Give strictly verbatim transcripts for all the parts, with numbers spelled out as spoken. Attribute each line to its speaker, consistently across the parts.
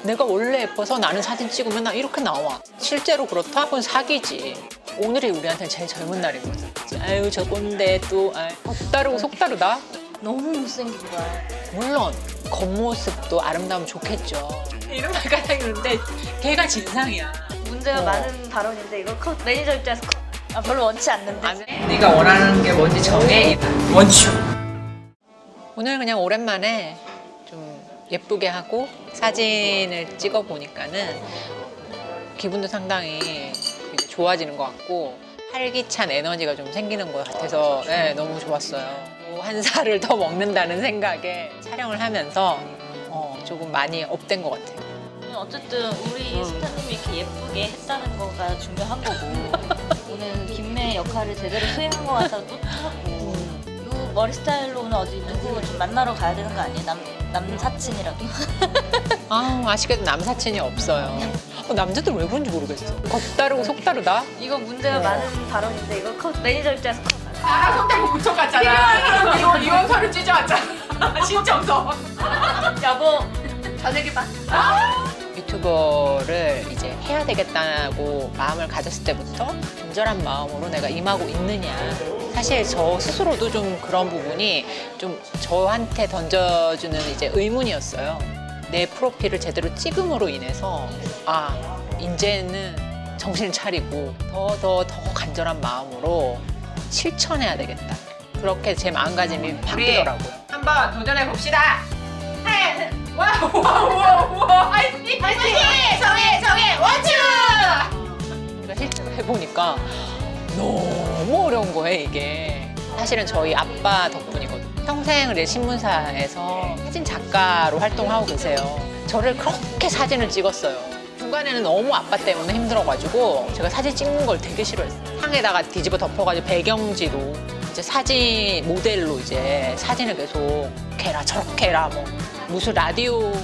Speaker 1: 내가 원래 예뻐서 나는 사진 찍으면 나 이렇게 나와. 실제로 그렇다? 그건 사기지. 오늘이 우리한테는 제일 젊은 날인 거죠. 아유 저 꼰대 또 아유, 겉다르고 속다르다?
Speaker 2: 너무 못생긴 거야.
Speaker 1: 물론 겉모습도 아름다우면 좋겠죠. 이런 말까지 하는데 걔가 진상이야.
Speaker 2: 문제가
Speaker 1: 어.
Speaker 2: 많은 발언인데 이거 컷, 매니저 입장에서 컷. 아, 별로 원치 않는데.
Speaker 1: 아, 네가 원하는 게 뭔지 정해. 원추. 오늘 그냥 오랜만에 좀 예쁘게 하고 사진을 찍어 보니까는 기분도 상당히 이제 좋아지는 것 같고 활기찬 에너지가 좀 생기는 것 같아서 네, 너무 좋았어요. 한 살을 더 먹는다는 생각에 촬영을 하면서 어, 조금 많이 업된 것 같아요.
Speaker 2: 어쨌든 우리
Speaker 1: 음.
Speaker 2: 스타님이 이렇게 예쁘게 했다는 거가 중요한 거고 오늘 김매의 역할을 제대로 수행한 것 같아서 뿌듯하고 이 머리 스타일로 오늘 어디 누구 좀 만나러 가야 되는 거 아니에요? 남, 남사친이라도?
Speaker 1: 아, 아쉽게도 남사친이 없어요. 어, 남자들 왜 그런지 모르겠어. 겉다르고 속다르다?
Speaker 2: 이거 문제가
Speaker 1: 어.
Speaker 2: 많은 발언인데 이거 컷, 매니저 입장에서 컷.
Speaker 3: 나랑 손잡고 붙여갔잖아. 이혼, 이혼서를 찢어왔잖아. 신청서.
Speaker 2: 여보 저녁에 봐.
Speaker 1: 유튜버를 이제 해야 되겠다고 마음을 가졌을 때부터 간절한 마음으로 내가 임하고 있느냐. 사실 저 스스로도 좀 그런 부분이 좀 저한테 던져주는 이제 의문이었어요. 내 프로필을 제대로 찍음으로 인해서 아, 이제는 정신을 차리고 더 더 더 간절한 마음으로 실천해야 되겠다. 그렇게 제 마음가짐이 바뀌더라고요.
Speaker 3: 한번 도전해 봅시다. 하나, 와우, 와우, 와우, 와우. 화이팅! 화이팅! 정해, 정해, 원추!
Speaker 1: 그러니까 실제로 해보니까 너무 어려운 거예요, 이게. 사실은 저희 아빠 덕분이거든요. 평생을 이제 신문사에서 사진 작가로 활동하고 계세요. 저를 그렇게 사진을 찍었어요. 중간에는 너무 아빠 때문에 힘들어가지고 제가 사진 찍는 걸 되게 싫어했어요. 상에다가 뒤집어 덮어가지고 배경지로 이제 사진 모델로 이제 사진을 계속 이렇게 해라 저렇게 해라 뭐 무슨 라디오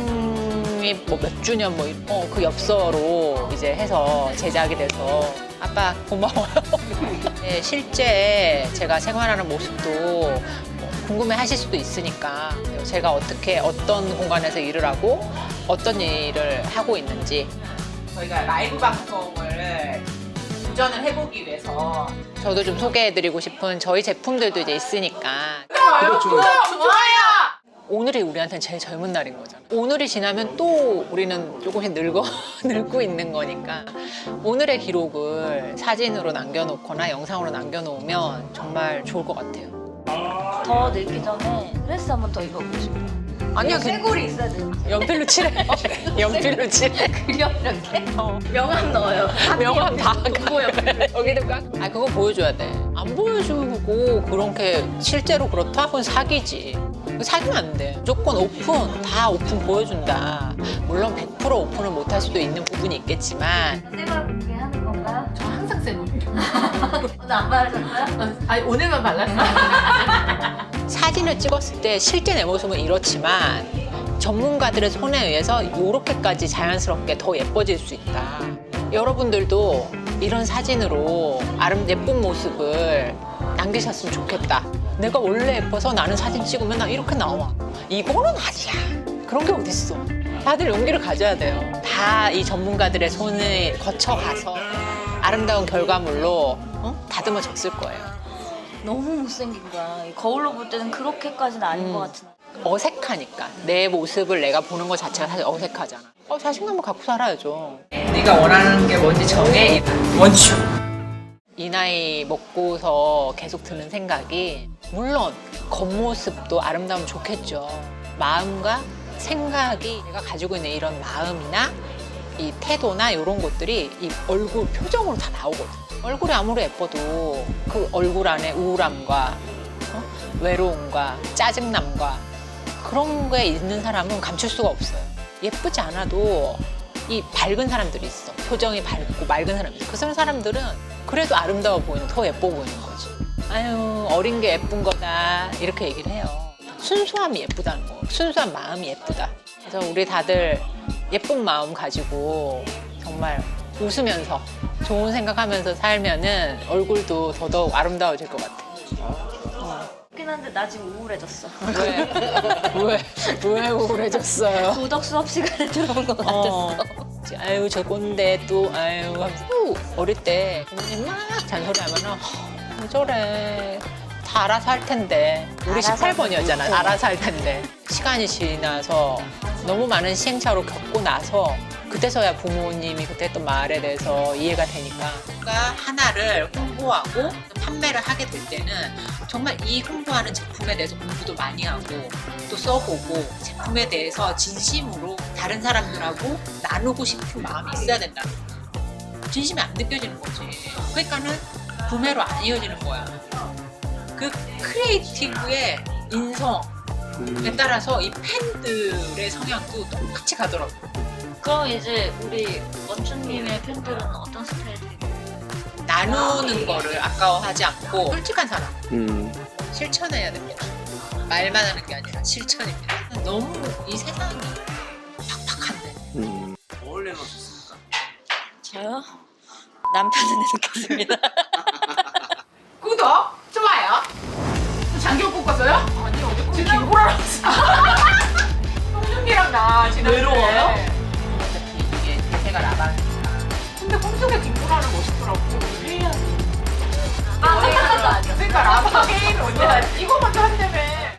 Speaker 1: 창립 뭐 몇 주년 뭐 어, 그 엽서로 이제 해서 제작이 돼서 아빠 고마워요. 네, 실제 제가 생활하는 모습도 뭐 궁금해 하실 수도 있으니까 제가 어떻게 어떤 공간에서 일을 하고 어떤 일을 하고 있는지
Speaker 3: 저희가 라이브 방송을 도전을 해보기 위해서
Speaker 1: 저도 좀 소개해드리고 싶은 저희 제품들도 이제 있으니까
Speaker 3: 그렇죠. 좋아요.
Speaker 1: 오늘이 우리한테는 제일 젊은 날인 거잖아. 오늘이 지나면 또 우리는 조금씩 늙어 늙고 있는 거니까 오늘의 기록을 사진으로 남겨놓거나 영상으로 남겨놓으면 정말 좋을 것 같아요.
Speaker 2: 더 늙기 전에 드레스 한 번 더 입어보고 싶어.
Speaker 1: 아니야,
Speaker 2: 쇄골이 있어야 돼.
Speaker 1: 연필로 칠해. 연필로 칠해.
Speaker 2: 그려 이렇게?
Speaker 1: 어.
Speaker 2: 명함 넣어요.
Speaker 1: 명함 다
Speaker 2: 공보 옆에.
Speaker 1: 여기도 까? 아 그거 보여줘야 돼. 안 보여주고 그렇게 실제로 그렇다? 그건 사기지. 사기면 안 돼. 무조건 오픈, 다 오픈 보여준다. 물론 백 퍼센트 오픈을 못할 수도 있는 부분이 있겠지만
Speaker 2: 쇄골 공개하는 건가요?
Speaker 3: 저 항상 쌤이에요.
Speaker 2: 오늘 안 바르셨어요?
Speaker 3: 아니 오늘만 발랐어요.
Speaker 1: 사진을 찍었을 때 실제 내 모습은 이렇지만 전문가들의 손에 의해서 이렇게까지 자연스럽게 더 예뻐질 수 있다. 여러분들도 이런 사진으로 아름 예쁜 모습을 남기셨으면 좋겠다. 내가 원래 예뻐서 나는 사진 찍으면 나 이렇게 나와. 이거는 아니야. 그런 게 어딨어. 다들 용기를 가져야 돼요. 다 이 전문가들의 손을 거쳐가서 아름다운 결과물로 어? 다듬어졌을 거예요.
Speaker 2: 너무 못생긴 거야. 거울로 볼 때는 그렇게까지는 아닌
Speaker 1: 음.
Speaker 2: 것 같은데.
Speaker 1: 어색하니까. 내 모습을 내가 보는 것 자체가 사실 어색하잖아. 어, 자신감을 갖고 살아야죠.
Speaker 3: 네가 원하는 게 뭔지 정해. 원추.
Speaker 1: 이 나이 먹고서 계속 드는 생각이 물론 겉모습도 아름다우면 좋겠죠. 마음과 생각이 내가 가지고 있는 이런 마음이나 이 태도나 이런 것들이 이 얼굴 표정으로 다 나오거든. 얼굴이 아무리 예뻐도 그 얼굴 안에 우울함과 어? 외로움과 짜증남과 그런 게 있는 사람은 감출 수가 없어요. 예쁘지 않아도 이 밝은 사람들이 있어. 표정이 밝고 맑은 사람이 있어. 그 사람들은 그래도 아름다워 보이는, 더 예뻐 보이는 거지. 아유, 어린 게 예쁜 거다. 이렇게 얘기를 해요. 순수함이 예쁘다는 거. 순수한 마음이 예쁘다. 그래서 우리 다들 예쁜 마음 가지고 정말 웃으면서 좋은 생각하면서 살면은 얼굴도 더더욱 아름다워질 것 같아. 어.
Speaker 2: 그렇긴 한데 나 지금 우울해졌어.
Speaker 1: 왜? 왜? 왜 우울해졌어요?
Speaker 2: 도덕 수업 시간에 들어온 것 같았어.
Speaker 1: 어. 아유 저 꼰대 또 아유 하면서 또 어릴 때 부모님 막 잔소리하면은 "어, 왜 저래 다 알아서 할 텐데 우리
Speaker 2: 알아서
Speaker 1: 십팔 번이었잖아
Speaker 2: 할
Speaker 1: 알아서 할 텐데 시간이 지나서 너무 많은 시행착오를 겪고 나서 그때서야 부모님이 그때 했던 말에 대해서 이해가 되니까 뭔가 하나를 홍보하고 판매를 하게 될 때는 정말 이 홍보하는 제품에 대해서 공부도 많이 하고 또 써보고 제품에 대해서 진심으로 다른 사람들하고 나누고 싶은 마음이 있어야 된다는 거야. 진심이 안 느껴지는 거지. 그러니까는 구매로 안 이어지는 거야. 그 크리에이티브의 인성에 따라서 이 팬들의 성향도 똑같이 가더라고.
Speaker 2: 그럼 이제 우리 원춘님의 팬들은 어떤 스타일이에요?
Speaker 1: 나누는 거를 아까워하지 않고 솔직한 사람.
Speaker 4: 음.
Speaker 1: 실천해야 됩니다. 말만 하는 게 아니라 실천입니다. 너무 이 세상이 팍팍한데.
Speaker 4: 음.
Speaker 5: 어울려 놓으셨습니까?
Speaker 2: 저요? 남편은 느꼈습니다.
Speaker 3: 구독, 좋아요. 장경 뽑았어요? 아니 어제 꼭 김구라랑 홍준기랑 나 지금
Speaker 5: 외로워요?
Speaker 1: 어차피 이게 대세가 나가니까.
Speaker 3: 근데 꿈속에 김구라는 멋있더라고.
Speaker 2: 아,
Speaker 3: 그러니까 라바 게임 언제 하지? 이거 먼저 한다며.